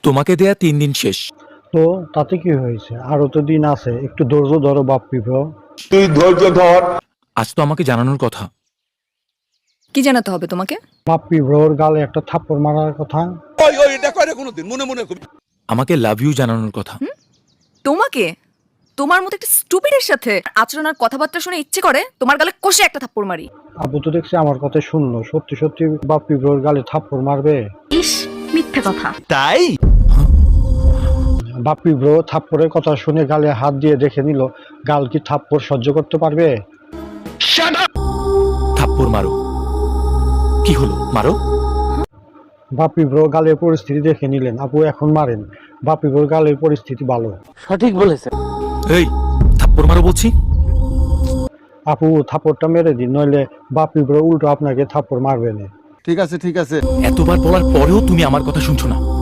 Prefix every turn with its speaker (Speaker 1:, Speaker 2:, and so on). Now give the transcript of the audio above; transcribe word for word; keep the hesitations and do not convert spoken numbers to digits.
Speaker 1: তোমাকে দেয়া তিন দিন শেষ।
Speaker 2: তো তাতে কি হয়েছে, আরো তো দিন আছে, একটু ধৈর্য ধরো বাপ্পি ব্রো।
Speaker 3: তুই ধৈর্য ধর।
Speaker 1: আজ তো আমাকে জানানোর কথা।
Speaker 4: কি জানাতে হবে তোমাকে?
Speaker 2: বাপ্পি ব্রোর গালে একটা থাপ্পড় মারার কথা।
Speaker 5: ওই ওই এটা কয় না কোনোদিন মনে মনে কবি।
Speaker 1: আমাকে লাভ ইউ জানানোর কথা।
Speaker 4: তোমাকে? তোমার মতো একটা স্টুপিডের সাথে আচরণ আর কথাবার্তা শুনে ইচ্ছে করে তোমার গালে কষে একটা থাপ্পড় মারি।
Speaker 2: আবু তো দেখছি আমার কথা শুনলো, সত্যি সত্যি বাপ্পি ব্রোর গালে থাপ্পড় মারবে?
Speaker 4: ইস, মিথ্যে কথা।
Speaker 3: তাই
Speaker 2: বাপ্পি ব্রো থাপ্পড়ের কথা শুনে গালে হাত দিয়ে দেখে নিল, গাল কি থাপ্পড় সহ্য করতে পারবে?
Speaker 1: থাপ্পড় মারো। কি হলো, মারো।
Speaker 2: বাপ্পি ব্রো গালের পরিস্থিতি দেখে নিলেন, আপু এখন মারেন। বাপ্পি ব্রোর গালের পরিস্থিতি ভালো।
Speaker 1: এই থাপ্পড় মারো বলছি।
Speaker 2: আপু থাপ্পড়টা মেরে দিন, নইলে বাপ্পি ব্রো উল্টো আপনাকে থাপ্পড় মারবে না।
Speaker 3: ঠিক আছে ঠিক আছে।
Speaker 1: এতবার বলার পরেও তুমি আমার কথা শুনছো না।